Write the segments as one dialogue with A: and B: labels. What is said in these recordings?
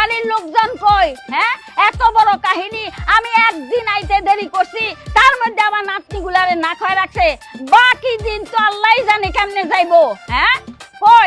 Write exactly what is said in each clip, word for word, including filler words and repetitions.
A: বাড়ির লোকজন কই? হ্যাঁ, এত বড় কাহিনী, আমি একদিন আইতে দেরি করছি, তার মধ্যে আমার নাতনিগুলারে না খায় রাখছে। বাকি দিন তো আল্লাহই জানে কেমনে যাইবো। হ্যাঁ, কই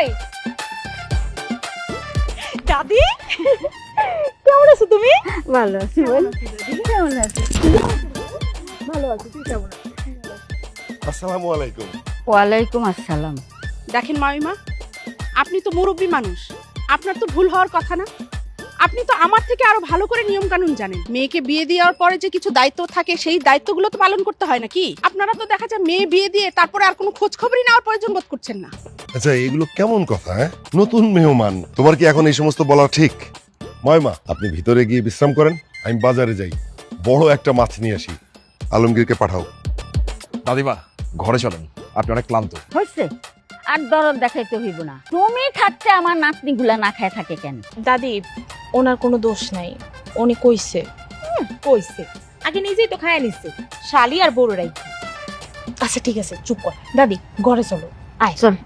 B: দাদি কেমন আছো তুমি?
A: ভালো আছি। কেমন আছিস?
B: ভালো আছি, তুই কেমন আছিস?
C: আসসালামু আলাইকুম।
A: ওয়ালাইকুম আসসালাম।
B: দেখেন মামিমা, আপনি তো মুরব্বী মানুষ, আপনার তো ভুল হওয়ার কথা না। আপনি তো আমার থেকে আরো ভালো করে নিয়ম কানুন জানেন। মেয়েকে বিয়ে দেওয়ার পরে যে কিছু দায়িত্ব থাকে, সেই দায়িত্বগুলো তো পালন করতে হয় নাকি? আপনারা তো দেখা যায় মেয়ে বিয়ে দিয়ে তারপরে আর কোনো খোঁজ খবরই নেওয়ার প্রয়োজন বোধ করছেন না।
C: আচ্ছা, এগুলো কেমন কথা? হ্যাঁ, নতুন মেহমান, তোমার কি এখন এই সমস্ত বলা ঠিক? ময়মা, আপনি ভিতরে গিয়ে বিশ্রাম করেন, আমি বাজারে যাই, বড় একটা মাছ নিয়ে আসি। আলমগীরকে পাঠাও।
D: দাদিমা, ঘরে চলেন, আপনি অনেক ক্লান্ত।
A: হইছে, আর দরদ দেখাইতে হইব না। তুমি থাকতে আমার নাতনিগুলা না খায় থাকে কেন?
E: দাদি, ওনার কোনো দোষ নাই, উনি কইছে কইছে আগে নিজেই তো খায় নিচ্ছে, শালি আর বড় রাই। আচ্ছা ঠিক আছে, চুপ কর দাদি, ঘরে চলো, আয়
A: চল।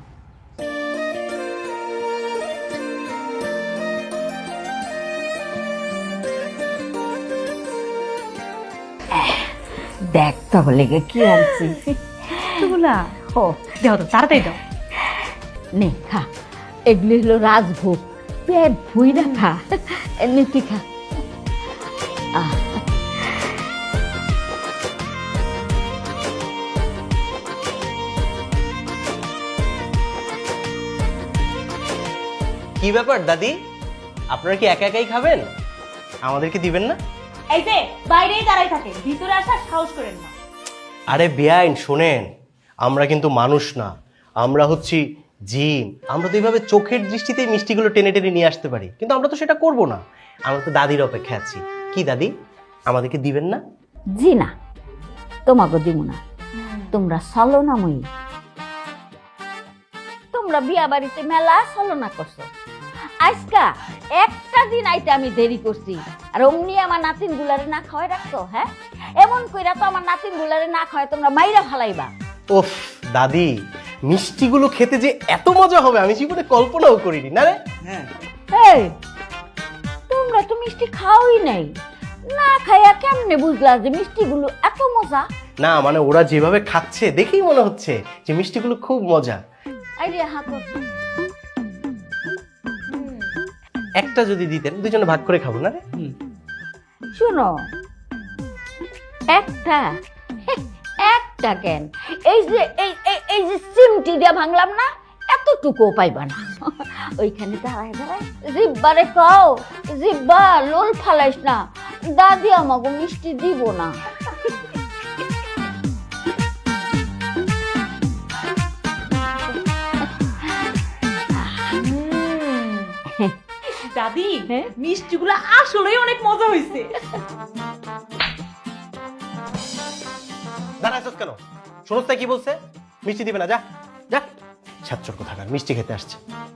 A: দেখ তাহলে কি আনছি।
E: এগুলা
A: ও
E: দাও তো, তাড়াতাড়ি দাও।
A: নে খা, এগুলি হলো রাজভোগ, পেট ভুইরা খা। নে তুই খা। আহ,
F: কি ব্যাপার দাদি, আপনারা কি একা একাই খাবেন? আমাদেরকে দিবেন না?
E: এই যে বাইরেই দাঁড়াই থাকে, ভিতরে আসার সাহস করেন না।
F: আরে বেআইন, শোনেন, আমরা কিন্তু মানুষ না, আমরা হচ্ছি জিন। আমরা তো এইভাবে চোখের দৃষ্টিতেই মিষ্টিগুলো টেনে টেনে নিয়ে আসতে পারি, কিন্তু আমরা তো সেটা করব না। আমরা তো দাদির অপেক্ষা আছি। কি দাদি, আমাদেরকে দিবেন না?
A: জি না, তোমাকে দিব না। তোমরা চলো না মই, তোমরা বিয়া বাড়িতে মেলা চলো না করছো। আজকা একটা দিন আইতে আমি দেরি করছি, আর অমনি আমার নাতিন গুলারে না খাওয়াই রাখছো। হ্যাঁ, এমন কইরা তো আমার নাতিন গুলারে না খাওয়াই তোমরা মাইরা ফালাইবা।
F: ওফ দাদি, মিষ্টিগুলো খেতে যে এত মজা হবে আমি জীবনে কল্পনাও করিনি। না রে?
A: এই, তোমরা তো মিষ্টি খাওয়াই নাই, না খাইয়া কেমনে বুঝলা যে মিষ্টিগুলো এত মজা?
F: না মানে ওরা যেভাবে খাচ্ছে দেখেই মনে হচ্ছে যে মিষ্টিগুলো খুব মজা।
A: আইডিয়া হাত।
F: একটা যদি দিতেন, দুজনে ভাগ করে খাবো। না রে?
A: শুনো, একটা একটা কেন, এই যে এই এই- এই যে সিমটি দিয়ে ভাঙলাম না, এতটুকু পাইবা না। ওইখানে দাঁড়ায় দাঁড়ায় জিব্বারে খাও, জিব্বা লোল ফালাইস না, দাদি আমাকে মিষ্টি দিব না।
E: দাদি,
A: হ্যাঁ?
E: মিষ্টিগুলো আসলেই অনেক মজা হয়েছে।
F: দাঁড়াইছস কেন? শোনস না কি বলছে? মিষ্টি দিবে না, যা যা। ছাত্র কোথাকার, মিষ্টি খেতে আসছে।